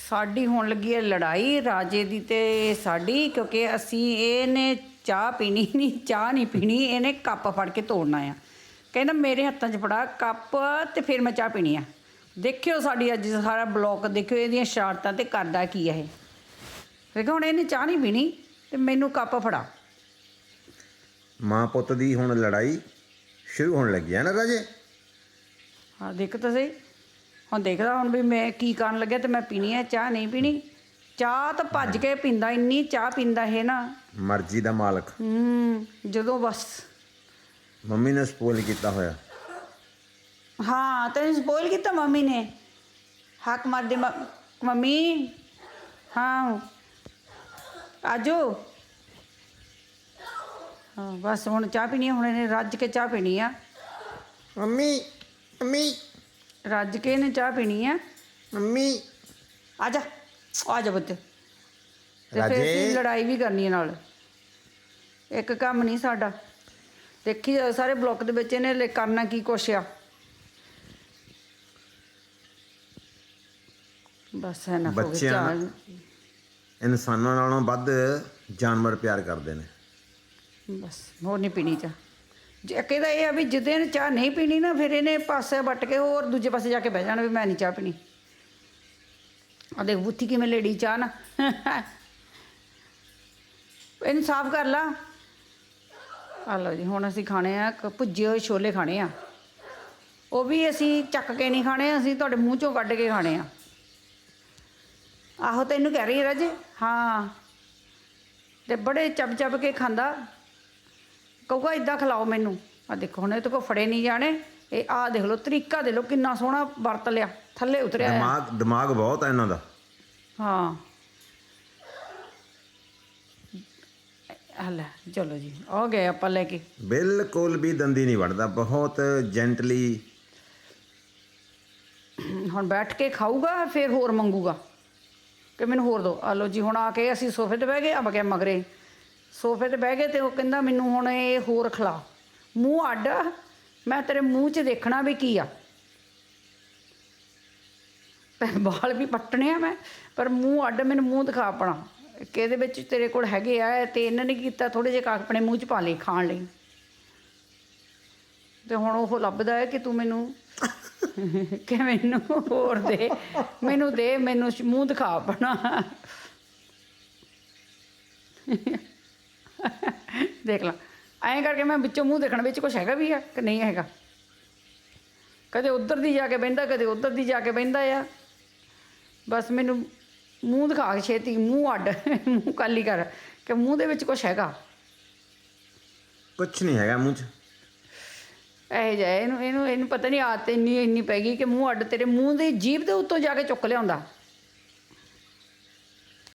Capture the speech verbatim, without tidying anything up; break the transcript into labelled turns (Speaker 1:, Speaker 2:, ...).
Speaker 1: ਸਾਡੀ ਹੋਣ ਲੱਗੀ ਹੈ ਲੜਾਈ ਰਾਜੇ ਦੀ ਤੇ ਸਾਡੀ, ਕਿਉਂਕਿ ਅਸੀਂ ਇਹਨੇ ਚਾਹ ਪੀਣੀ ਨਹੀਂ, ਚਾਹ ਨਹੀਂ ਪੀਣੀ, ਇਹਨੇ ਕੱਪ ਫੜ ਕੇ ਤੋੜਨਾ ਆ। ਕਹਿੰਦਾ ਮੇਰੇ ਹੱਥਾਂ 'ਚ ਫੜਾ ਕੱਪ ਤੇ ਫਿਰ ਮੈਂ ਚਾਹ ਪੀਣੀ ਆ। ਦੇਖਿਓ ਸਾਡੀ ਅੱਜ ਸਾਰਾ ਬਲੌਕ ਦੇਖਿਓ, ਇਹਦੀਆਂ ਸ਼ਰਾਰਤਾਂ ਤੇ ਕਰਦਾ ਕੀ ਹੈ ਇਹ। ਦੇਖੋ ਹੁਣ ਇਹਨੇ ਚਾਹ ਨਹੀਂ ਪੀਣੀ ਤੇ ਮੈਨੂੰ ਕੱਪ ਫੜਾ।
Speaker 2: ਮਾਂ ਪੁੱਤ ਦੀ ਹੁਣ ਲੜਾਈ ਸ਼ੁਰੂ ਹੋਣ ਲੱਗੀ ਹੈ ਨਾ ਰਾਜੇ।
Speaker 1: ਹਾਂ ਦੇਖ ਤਾਂ ਸਹੀ, ਹੁਣ ਦੇਖਦਾ ਹੁਣ ਵੀ ਮੈਂ ਕੀ ਕਰਨ ਲੱਗਿਆ ਤੇ ਮੈਂ ਪੀਣੀ ਹੈ ਚਾਹ ਨਹੀਂ ਪੀਣੀ। ਚਾਹ ਤਾਂ ਭੱਜ ਕੇ ਪੀਂਦਾ, ਇੰਨੀ ਚਾਹ ਪੀਂਦਾ ਇਹ ਨਾ,
Speaker 2: ਮਰਜ਼ੀ ਦਾ ਮਾਲਕ।
Speaker 1: ਹੂੰ ਜਦੋਂ ਬਸ
Speaker 2: ਮੰਮੀ ਨੇ ਸਪੋਇਲ ਕੀਤਾ ਹੋਇਆ।
Speaker 1: ਹਾਂ ਤੈਨੂੰ ਸਪੋਇਲ ਕੀਤਾ ਮੰਮੀ ਨੇ, ਹੱਕ ਮਾਰਦੇ ਮੰਮੀ। ਹਾਂ ਆਜੋ। ਹਾਂ ਬਸ ਹੁਣ ਚਾਹ ਪੀਣੀ ਆ, ਹੁਣ ਇਹਨੇ ਰੱਜ ਕੇ ਚਾਹ ਪੀਣੀ ਆ।
Speaker 2: ਮੰਮੀ ਮੰਮੀ
Speaker 1: ਰੱਜ ਕੇ ਇਹਨੇ ਚਾਹ ਪੀਣੀ ਆ।
Speaker 2: ਮੰਮੀ
Speaker 1: ਆ ਜਾ ਆ ਜਾ ਬੱਤੇ। ਤੇ ਫਿਰ
Speaker 2: ਰਾਜੇ।
Speaker 1: ਅਸੀਂ ਲੜਾਈ ਵੀ ਕਰਨੀ ਹੈ ਨਾਲ, ਇੱਕ ਕੰਮ ਨਹੀਂ ਸਾਡਾ। ਦੇਖੀ ਜਾਓ ਸਾਰੇ ਬਲੋਕ ਦੇ ਵਿੱਚ ਇਹਨੇ ਕਰਨਾ ਕੀ ਕੁਛ ਆ। ਬਸ ਹੈ ਨਾ
Speaker 2: ਬੱਚਿਆਂ ਇਨਸਾਨਾਂ ਨਾਲੋਂ ਵੱਧ ਜਾਨਵਰ ਪਿਆਰ ਕਰਦੇ ਨੇ।
Speaker 1: ਬਸ ਹੋਰ ਨਹੀਂ ਪੀਣੀ ਚਾਹ। ਜੇ ਕਹਿੰਦਾ ਇਹ ਆ ਵੀ ਜਿੱਦਾਂ ਇਹਨੇ ਚਾਹ ਨਹੀਂ ਪੀਣੀ ਨਾ, ਫਿਰ ਇਹਨੇ ਪਾਸੇ ਵੱਟ ਕੇ ਹੋਰ ਦੂਜੇ ਪਾਸੇ ਜਾ ਕੇ ਬਹਿ ਜਾਣਾ ਵੀ ਮੈਂ ਨਹੀਂ ਚਾਹ ਪੀਣੀ। ਆ ਦੇਖ ਬੁੱਥੀ ਕਿਵੇਂ ਲੇੜੀ ਚਾਹ ਨਾ। ਇਹਨੂੰ ਸਾਫ਼ ਕਰ ਲਾ। ਆ ਲਓ ਜੀ, ਹੁਣ ਅਸੀਂ ਖਾਣੇ ਆ ਭੁੱਜੇ ਹੋਏ ਛੋਲੇ ਖਾਣੇ ਆ। ਉਹ ਵੀ ਅਸੀਂ ਚੱਕ ਕੇ ਨਹੀਂ ਖਾਣੇ, ਅਸੀਂ ਤੁਹਾਡੇ ਮੂੰਹ 'ਚੋਂ ਕੱਢ ਕੇ ਖਾਣੇ ਆ। ਆਹੋ ਤੈਨੂੰ ਕਹਿ ਰਹੀ ਰਾਜੇ। ਹਾਂ ਤੇ ਬੜੇ ਚੱਬ ਚੱਬ ਕੇ ਖਾਂਦਾ, ਕਹੂਗਾ ਇੱਦਾਂ ਖਿਲਾਓ ਮੈਨੂੰ। ਆ ਦੇਖੋ ਹੁਣ ਇਹ ਤੋਂ ਕੋ ਫੜੇ ਨਹੀਂ ਜਾਣੇ। ਇਹ ਆਹ ਦੇਖ ਲਓ ਤਰੀਕਾ ਦੇ ਲਓ ਕਿੰਨਾ ਸੋਹਣਾ ਵਰਤ ਲਿਆ, ਥੱਲੇ ਉਤਰਿਆ।
Speaker 2: ਦਿਮਾਗ ਦਿਮਾਗ ਬਹੁਤ ਹੈ ਇਹਨਾਂ ਦਾ।
Speaker 1: ਹਾਂ ਹਲੇ ਚਲੋ ਜੀ ਆ ਗਏ ਆਪਾਂ ਲੈ ਕੇ।
Speaker 2: ਬਿਲਕੁਲ ਵੀ ਦੰਦੀ ਨਹੀਂ ਵੜਦਾ, ਬਹੁਤ ਜੈਂਟਲੀ।
Speaker 1: ਹੁਣ ਬੈਠ ਕੇ ਖਾਊਗਾ ਫਿਰ ਹੋਰ ਮੰਗੂਗਾ ਕਿ ਮੈਨੂੰ ਹੋਰ ਦਿਓ। ਆ ਲਓ ਜੀ ਹੁਣ ਆ ਕੇ ਅਸੀਂ ਸੋਫੇ 'ਤੇ ਬਹਿ ਗਏ। ਆ ਗਿਆ ਮਗਰੇ ਸੋਫੇ 'ਤੇ ਬਹਿ ਗਏ ਅਤੇ ਉਹ ਕਹਿੰਦਾ ਮੈਨੂੰ ਹੁਣ ਇਹ ਹੋਰ ਖਿਲਾ। ਮੂੰਹ ਅੱਡ, ਮੈਂ ਤੇਰੇ ਮੂੰਹ 'ਚ ਦੇਖਣਾ ਵੀ ਕੀ ਆ। ਵਾਲ ਵੀ ਪੱਟਣੇ ਆ ਮੈਂ, ਪਰ ਮੂੰਹ ਅੱਡ, ਮੈਨੂੰ ਮੂੰਹ ਦਿਖਾ ਆਪਣਾ ਕਿ ਇਹਦੇ ਵਿੱਚ ਤੇਰੇ ਕੋਲ ਹੈਗੇ ਆ। ਅਤੇ ਇਹਨਾਂ ਨੇ ਕੀਤਾ ਥੋੜ੍ਹੇ ਜਿਹੇ ਆਪਣੇ ਮੂੰਹ 'ਚ ਪਾ ਲਏ ਖਾਣ ਲਈ। ਅਤੇ ਹੁਣ ਉਹ ਲੱਭਦਾ ਹੈ ਕਿ ਤੂੰ ਮੈਨੂੰ ਕਿ ਮੈਨੂੰ ਹੋਰ ਦੇ, ਮੈਨੂੰ ਦੇ, ਮੈਨੂੰ ਮੂੰਹ ਦਿਖਾ ਆਪਣਾ। ਦੇਖ ਲਾ ਐਂ ਕਰਕੇ ਮੈਂ ਵਿੱਚੋਂ ਮੂੰਹ ਦੇਖਣ ਵਿੱਚ ਕੁਛ ਹੈਗਾ ਵੀ ਆ ਕਿ ਨਹੀਂ ਹੈਗਾ। ਕਦੇ ਉੱਧਰ ਦੀ ਜਾ ਕੇ ਬਹਿੰਦਾ, ਕਦੇ ਉੱਧਰ ਦੀ ਜਾ ਕੇ ਬਹਿੰਦਾ ਆ। ਬਸ ਮੈਨੂੰ ਮੂੰਹ ਦਿਖਾ ਕੇ ਛੇਤੀ, ਮੂੰਹ ਅੱਡ, ਮੂੰਹ ਕਾਲੀ ਕਰ ਕਿ ਮੂੰਹ ਦੇ ਵਿੱਚ ਕੁਛ ਹੈਗਾ।
Speaker 2: ਕੁਛ ਨਹੀਂ ਹੈਗਾ ਮੂੰਹ 'ਚ।
Speaker 1: ਇਹੋ ਜਿਹਾ ਇਹਨੂੰ ਇਹਨੂੰ ਇਹਨੂੰ ਪਤਾ ਨਹੀਂ ਆਦਤ ਇੰਨੀ ਇੰਨੀ ਪੈ ਗਈ ਕਿ ਮੂੰਹ ਅੱਡ, ਤੇਰੇ ਮੂੰਹ ਦੀ ਜੀਭ ਦੇ ਉੱਤੋਂ ਜਾ ਕੇ ਚੁੱਕ ਲਿਆਉਂਦਾ।